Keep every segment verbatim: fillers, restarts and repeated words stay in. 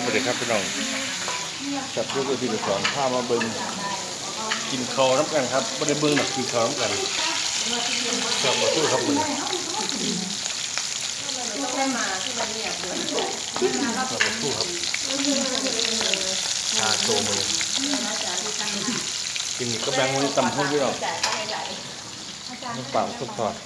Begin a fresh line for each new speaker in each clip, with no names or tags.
วัสดีครับพี่น้องจับลูกไปที่สอนข้ามาเบิ้งกินข้าวน้ำกันครับไม่ได้เบิ้งหรอกกินข้าวน้ำกันจับมาตู้ครับมึงจับมาตู้ครับชาโชว์มือกินก็แบงวันนี้ตำพุ่งพี่น้องน้ำเปล่าทุกทอด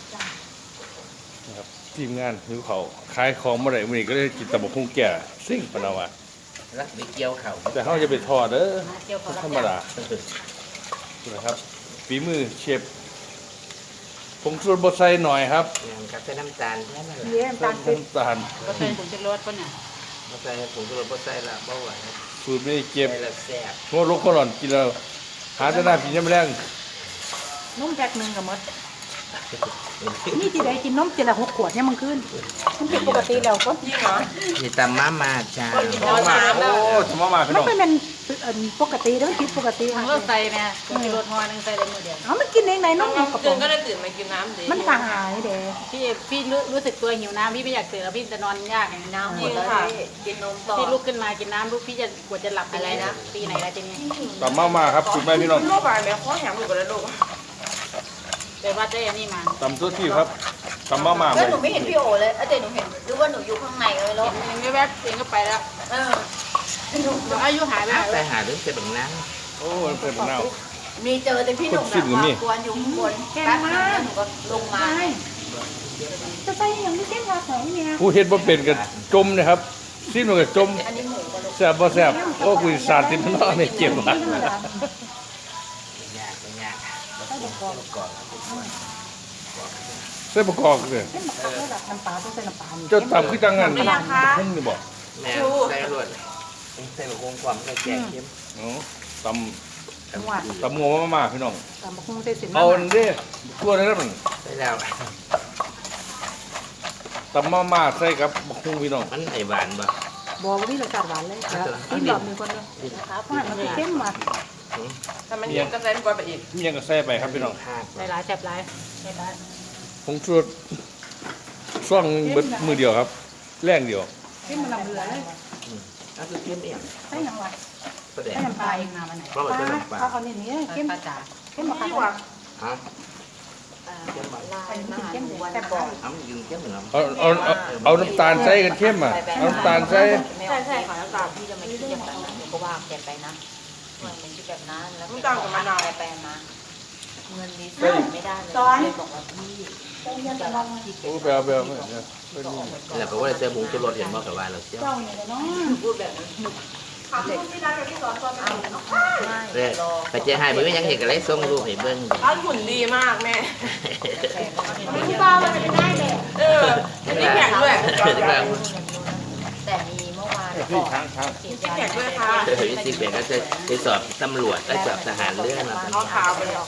นะครับทีมงานหิวเขาขายของเมื่อไหร่มื่อนี้ก็ได้กินตำพุ่งแก่ซิ่งปนาวะ
รักไปเกี่ยวเขา
แต่เขาจะไปทอดเด้อธรรมดานะครับฝีมือเชฟผงชูรสบดใส่หน่อยครับ
ครับใส่น้ำตาลแค่นั้นแหละ
เยี่ยมตาลติด
น้ำตาล
ก็ใส่ผงชูรสป่ะเนี่ย
มาใส่ผงชูรสบ่ใส่ละเบาหวาน
สูตรไม่ได้เก็บ
ใส่ละแซ่บ
โง่ลูกข้าวหลอนกินแล้วหาจะน่ากินยังไม่แรง
นุ่มแพ็คหนึ่งกับมดนี่ที่ได้กินนมเจละหกขวดเนี่ยมันขึ้นมันผิดปกติแล้วก็ยิ่งเหรอ
นี่ตำมามาจ้า
มาโอ้ทำมามาพี่
มั
น้
น
อง
ไม่เป็นปกติแล้วมันผิดปกติ
ทั้งรถใส่แม่ผงชูรสห่อนึงใส่ได้มือเดียว
อ๋อมันกินเองไหนนมกระป๋
ตื่
อน ง
ก็ได้ตื่นมากินน้ำดิ
มันตายเด้
พี่พี่รู้สึกตัวหิวน้ำพี่ไม่อยากตื่นแล้วพี่จะนอนยากอย่างน้ำหม
จริ
ด
ง
แล้ว
ค่ะกินนมต่อ
พี่ลุกขึ้นมากินน้ำลูกพี่จะกว่าจะหลับอะไรนะปีไหนแล้วทีนี้
ตำมามาครับสูตรแม่พี่น้อง
โรคอะไรเนี่ยข้อแหงอยู่กับลูก
ไปวัดได้อันนี้มา
ตำตัวที่ครับตำมามา
แล้วหนูไม่เห็นพี่โอเลยแต่หนูเห็นหรือว่าหนูอยู่ข้างในเลยแล้ว
เองก็แวบเองก็ไปแล้ว
เออ
อายุหายไปไหน
ไป
แล้ว
หาเรื่องเจ็บบังน้
โอ้เพิ่นเน่า
มีเจอแต่พี่หนุ่มแบบว่ากวนอยู่ข้างบนแป๊บนึงหนูก็ลงมา
จะใส่อย่างที่เจ้าของเนี่ย
ผู้เฮ็ดบ่เป็นกันจมนะครับสิ้นมันก็จม
อันนี้หมูกับลูก
แซ่บบ่แซ่บโอ้คุยสาดติดมันเนาะไม่เจ็บว่ะ
ำยากไม่ยากก่อน
ใส่ประกอบเลย
เส้นมะขามระดับน้ำปลาต้องใส่น้ำปลา
เจ้าตำคือจังงั้นพุ่งนี่บ่
แม่ใส่รวดใส่บะฮงความใส่แกงเค็ม
อ๋อต
หวาน
ำตำงัวมามาพี่น้อง
ตำบักหุ่งใส่เส้น
เอาอันนี้ตัวนี้มัน
ใส่แล้ว
ตำมามาใส่กับบักฮุ่งพี่น้อง
มันไอหวานบ่
บอกว่ามีรสชาติหวานเลยกินแบบมีคนเดียวนะครับมันเข้มมา
ถ้ามันยิ่งก็เส้นกว่าไปอีก
มีหยังก็ใส่ไปครับพี่น้อง
ภาค
ใส่หลายแซ่บหลายใส่หลาย
ผงชูรสช่วงเบิดมือเดียวครับแรงเดียว
เข้มมันลำเลือเลย
ก็คือเค็มเอง
ใส่น้ำปลา
ประเดี๋ยว
ใส่น้ำป
ป
ลา
ลา
เอ
เอง งมาวันไหน
เพราะมันเป็นน้ำปลา
เอาเอาเนี่ยนี่เข้ม
ปลาจ๋า
เข้มมะขาม
ดีกว่า
ฮะ
ลายมหาหนูวันก่อน
อ้ำยืนเค็มเหมือนน้ำ
เอาเอาเอาเอาน้ำตาลใส่กันเข้มอ่ะเอาน้ำตาลใส่
ใช่ใช่ค่ะน้ำตาลพี่จะไม่คิดอย่างนั้นหนูก็ว่าแกไปนะมันเป็นที่แบบนั้นแล้วแกไปมาเงินนี้ใส่ไม่ได้เลยบอกว่าพี่
โอ้ไปเอาไปเอาไปเอาเนี่ยไปนี่
นี่แหละเพราะว่าใส่ผงชูรสเห็นบ่กับว่าเราเชี่ยว
เจ้าเนี่ยเนาะ
พูดแบบนั้นถามพี่ได้เลยพี่สอนตอนเอา
เด้ไปเจ้ให้เบิ่งยังเห็นกันเลยส่งรูปให้เบิ่ง
บ้านหุ่นดีมากแม่
พี่บ้ามันเป็นได้เลย
เอออันนี้แข็งด้วย
แต่มีเมื่อวาน
พี่ช้างช้าง
แข็งด้วยค่ะ
เออวิสิเป็นก็จะไปสอบตำรวจก็สอบทหารเรื่องมา
เอาขาวไปเลย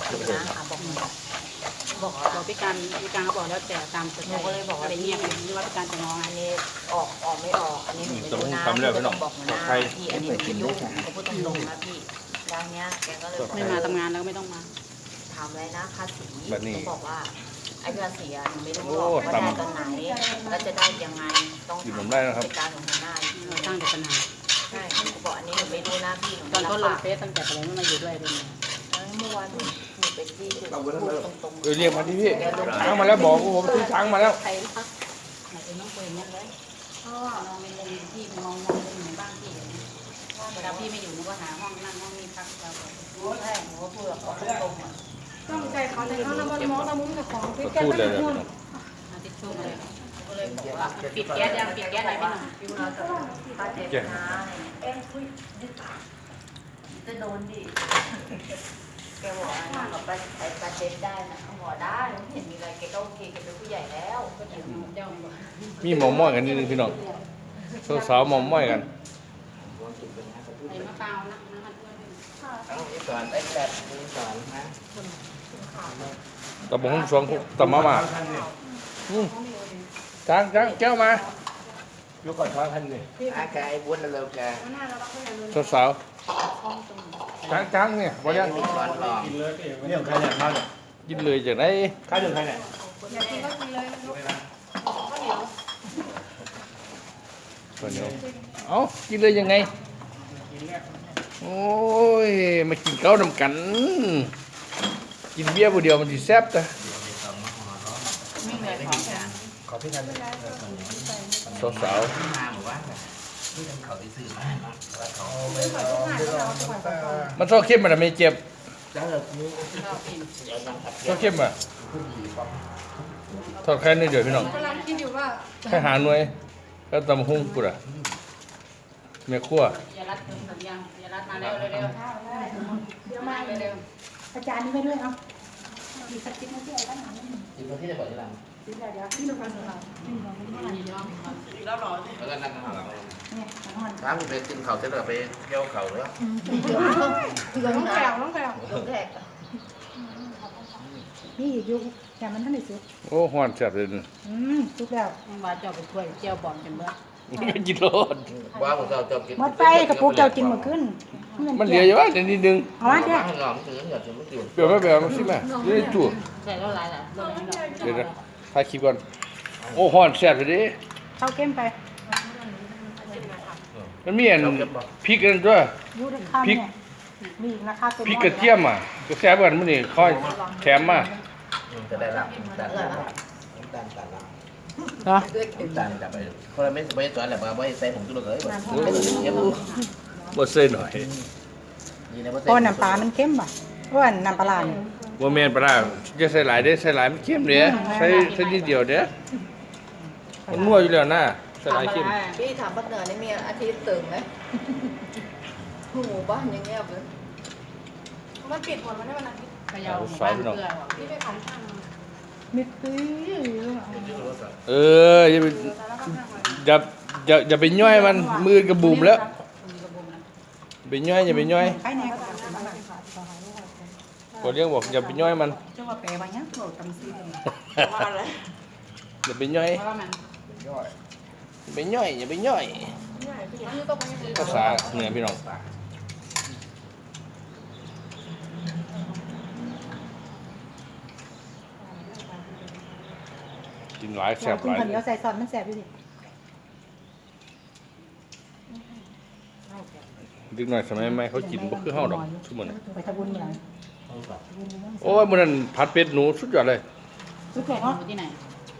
บอกบอกพี่การพี่การเขาบอกแล้วแต่ตามสไตล์ก็เลยบอกว่าอะไรเงียบนี่ว่าพี่การจะงอ
อันนี้ออกออกไม่ออกอันนี้หนูไม่
ตำ
รู้
บัก
นะ
หุ่งทำแล้วพี่น้อง
บอกมานะ
ใคร
พี่อันนี้ไม่รู้เขาพูดตรงๆนะพี่ด้านเนี้ยแกก็เลยบอก
ไม่มาทำงานแล้วก็ไม่ต้องมา
ถามอะไรนะภาษี
แบบนี้
หนูบอกว่าไอ้ภาษีอะหนูไม่รู้หรอกว่าได้ตอนไหนแล้วจะได้ยังไงต้อง
กิน
ถาม
ผมได้นะครับ
จัดการของหัวหน้า
เราสร้างแต่ปัญหา
ใช่หนูบอกอันนี้หนูไม่รู้นะพี่หนู
ตอนเขาล
รั
ง
บ
เฟซตั้งแต่ผมไม่มาอยู่ด้วยเลย
ปากเมื่อวานหนูหนูเป็นที่คือพูดตรง
เออเรียกมาที่พี่ช้างมาแล้วบอกว่าผมซื้อช้างมาแล้ว
ใครพักไหนเป็นน้องเฟยเนี่ยเลยพ่อน้องเป็นที่มองมองเป็นเหมือนบ้านพี่อย่างนี้เวลาพี่ไม่อยู่หนูก็หาห้องนั่งห้องนี้พักเรา
ๆใช่หนูก็พูดแบบตรงๆอะ
ต้องใจเขาในเขาน้ำมันมองน้ำมุ้งกับของ
ก็พูดเลยเลยพี่น้อง
อาทิตย์ช่วงเลยก็เลยบอกว่าปิดแก๊สยังปิดแก๊สไหนพี่หนุ่ม
พี่เราจะปาเจ็บนะเอ๊ะคุยจะโดนดิแกบอกว่านั่งกับปาไอ้ปาเจ็บได้นะเขาบอกได้ไม่เห็นมีอะไรแกก็โอเคแกเป็นผู้ใหญ่แล้วก็ถึง
เจ้าบอก
มีหมอม้อยกันนิดนึงพี่น้องสาวๆหมอม้อยกัน
ไอ้มะพร้าวนะน้ำมันด้วย
เอาอีสอนไอ้แบบอีสอนนะ
ตำบักหุ่งสองตำมามาอืมช้างช้างแก้วมายกก่อนช้างทันดิ
อากายบุญเร็วแก
สาวๆช้างช้างเนี่ยบอยัง
มีสอนลอง
นี่ของใครเนี่ยข้าวเนี่ย
กินเลยจากไหน
ข้าวของใครเนี่ย
อยากกินก็กินเลย
ข้าวเหนียวเอาเอากินเลยยังไงโอ้ยมากินข้าวนำกัน กินเบียร์ผู้เดียวมันสิแซ่บจ้ะ
ไม่เหนื่อยของแก
ขอพี่ทัน
สาว
มาหมู่บ้านแบบที่เป็นเขาไปซื้อมาเนาะแล้วเขา
ๆมันชอบเข้มมันไม่เจ็บ
แล้วเรานี่
ชอบกิน
เดี๋ยวยังครับ
ชอบเข้มอ่ะ
ผู้ดีป๊อป
ทอดแค่นี้เดียวพี่น้อง
กำลังคิดอยู่ว่า
แค่หาหน่วยก็ตำหุ้งกูอ่ะแม่ครัว
อย่ารัดถึงสัญญาณอย่ารัดมาเร็วเร็วเร็ว
เดี๋ยวมา
เร็ว
อาจารย์นี่ไปด้วยเอาอีกสักสิบนาทีอะไรกันหน่อย
จริงๆที่จะบอกที่หลัง
เดี๋ยวเดี๋ยวที่ดูกันหน่อยนี่ลองดู
มันยอมแล้วรอ
แล้วก็นั่งข้างหลัง
เนี่ยนอน
ถ้าผมไปกินเขาจะเลิกไปเที่ยวเขาหรือว่า
น้องแก้วน้องแก้ว
ลงแขก
นี่อีกยุคแต่มันท่านได้สุด
โอ้ฮ้อนแซ่บเลยนะ
อืมสุกแล้ว
มาเจ้าไปช่วยเจียวบอลกันเบ้อ
กินโลด
ว่าผมจะจะกิน
หมดไปกระปุกเจ้ากินหมดขึ้น
มันเหลืออยู่ว่าเดี๋ยวนิดนึง
เอามา
เจ้า
เจ้
หอมถึงอยากจะไม่กิน
เปลี่ยวไม่เปลี่ยวมาสิแม่เดี๋ยวได้จู่
ใส่แล้วลายละเรื่องนี้เรา
เดี๋ยวนะถ่ายคลิปก่อนโอ้ฮ้อนแซ่บเลยดิ
เข้าเข้มไป
มันมีอันพริกอันด้วย
ยูดข้ามเนี่ยมีอีกราคาเต็ม
พริกกระเทียมอ่ะก็แซ่บกันมื้อนี้ค่อยแถมมา
จะได้รับน้ำตาลน้ำตาลตัดละ
เหรอ
น้ำตาลจับไปเพราะไม่ไม่ตัวอะไรมาไม่ใส่ผงชูรสเลยไม่ต้องเยอะ
บ่ใส่หน่อย
นี่นะว่า
เพราะน้ำปลามันเข้มป่ะเพราะว่าน้ำปลาร้าเนี่ย
บ่แม่นปลาร้าจะใส่หลายเด้ใส่หลายมันเค็มเด้ใส่ใส่นิดเดียวเด้มันนัวอยู่แล้วนะใส่หลายเค็ม
พี่ถามปักเหนือนี่มีอาทิตย์ตื่นไหมหมู่บ้านยังเงียบเลย
มันปิดหมดวันนี้วันอาทิตย์
พยาวบ้านเกลือ
พี่ไปขันช่างมิดปี้
เอออย่าไปอย่าอย่าอย่าไปย่อยมันมือกระบุมแล้วไปย่อยอย่าไปย่อย
ไปไหนก็
ก็เรียกบอกอย่าไปย่อยมัน
เจ้าว่าแปลว่ายังโกรธตำซีกัน
ว่าอะไร
อย่าไปย่อย
เพราะว่ามัน
อย่าไปย่อยอย่าไปย่อยภาษาเหนือพี่น้องกินหลายแซ่บ
กิ
ห
น
ลาย
ข้าวเหนียวใส่ซอสมันแซ่บอยู่ดิ
ดึกหน่อยสมัยใหม่เขากินบ่คือเฮาดอกทุกมื้อนี้
ไปทำบุญเมื่อไหร่
โอ้ยมื้อนั้นผัดเป็ดหนูสุดยอดเลย
สุดแขก
อ
เนาะ
ยู่ที่ไหน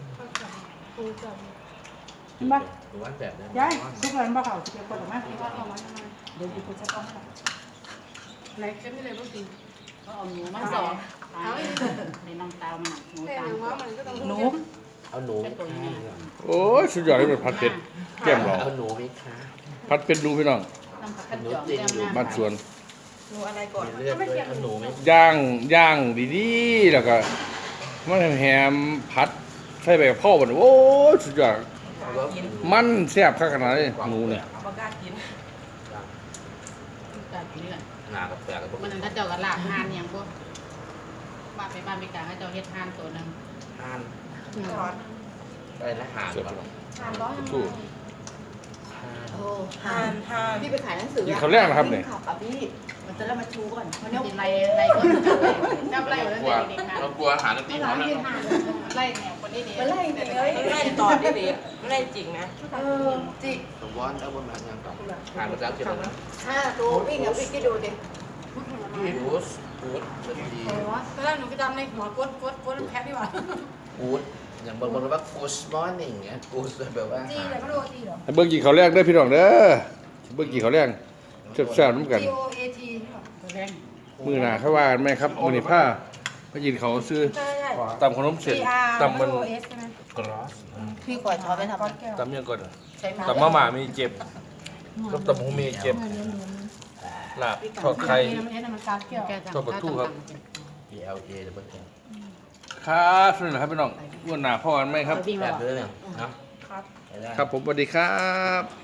เห็นปะ
หรือว่าแบบนั้น
ยายสุกแล้วมันบ่เข้าสิเดี๋ยวกดออกมาเดี๋ยวดีกูจะต้องอะไรเข้มนี่เลยบ่กิน
ก็เอาหนูมาสองในน้องตาวมันหนูตาล
หนู
เอาหนู
เป็นตัวนี้
โอ้ยสุดยอดเลยมันผัดเป็ดแก้มเรา
เอาหนูไหมคะ
ผัดเป็ดหนูพี่น้อง
น้ำผักกระจอกแก้มน้ำ
บ้านสวน
หนูอะไรก่อน
เลือดด้วยเอาหนูไหม
ย่างย่างดีๆแล้วก็มันแฮมผัดใส่ใบกะเพราบ่โอ้ยสุดยอดมันแซ่บขนาดนี้หนูเนี่ย
บ่กล้ากิน
แบบนี้แหละ
หนากับแปลกกับพวก
มันนึงถ้าเจ้าก็ลากหานอย่างพวกบ้านไปบ้านไปกลางให้เจ้าเฮ็ดหานตัวนึง
ทาน
ร้อน
ได้ละหาน
เสียบ
ป่ะ
ทานร้อน
สู้
โอ้ทานทานพี่ไปขายหนังสือ
กินข้าวแรกนะครับเนี่ย
ขับอ่ะพี่มันจะเริ่มมาชูก่อนมัน
เดี๋
เนี่ย
ยวไล่ไล่คนจับไล่อยู่แล้ว
กลัว
เด็กๆนะ
เรากลัวอาหารตีเขาเนี่ย
ไล่แนวคนนี้ดี
มันไล่จริงเลย
ไม่ได้ตอบได้ดีไม่ได้จริงนะ
เออจิก
สมวอนเอาบนมาอย่างต่อหานภาษาเกี่ยวกับ
ห้าตัววิ่งอ่ะพี่ก็ดูดิ
กูสกูดสตี
ตอนแรกหนูก็จำในหัวกดกดกดแพ้ดีกว่า
กูดอย่างบางคนว่ากูสมอร์นิ่งเนี่ยกูสแบบว่า
จีแต่ก็ดูจีเหรอ
ให้เบิ่งกี่ข้าวแรกเด้อพี่น้องเด้อเบิ่งกี่ข้าวแรกแซ่บๆน้ำกัน
G O A T
ตัวแรง
มื้อหน้าเขาว่ากันไหมครับมื้อนี้ผ้ามากินเขาวซื้อ
ใช่ใช่
ตำขนมเสร็จ
G R
ตำมัน
O S ใช่ไหม
กรอส
พี่ขอช้อนไปทำ
ก้อนแก้ว
ตำยังก่อน
ใช้
ตำมะหม่ามีเจ็บกับตำหงมีเจ็บลาบทอดไข่
เอ็นมันการแก้ว
ตัวประตูครับ
พีเอลเอดับเบิลเค
ครับสวัสดีครับพี่น้องวันหน้าพ่อกันไหมครับ
วิ่ง
แบ
มา
บนี้เนี่ยเนาะ
ครับผมสวัสดีครับ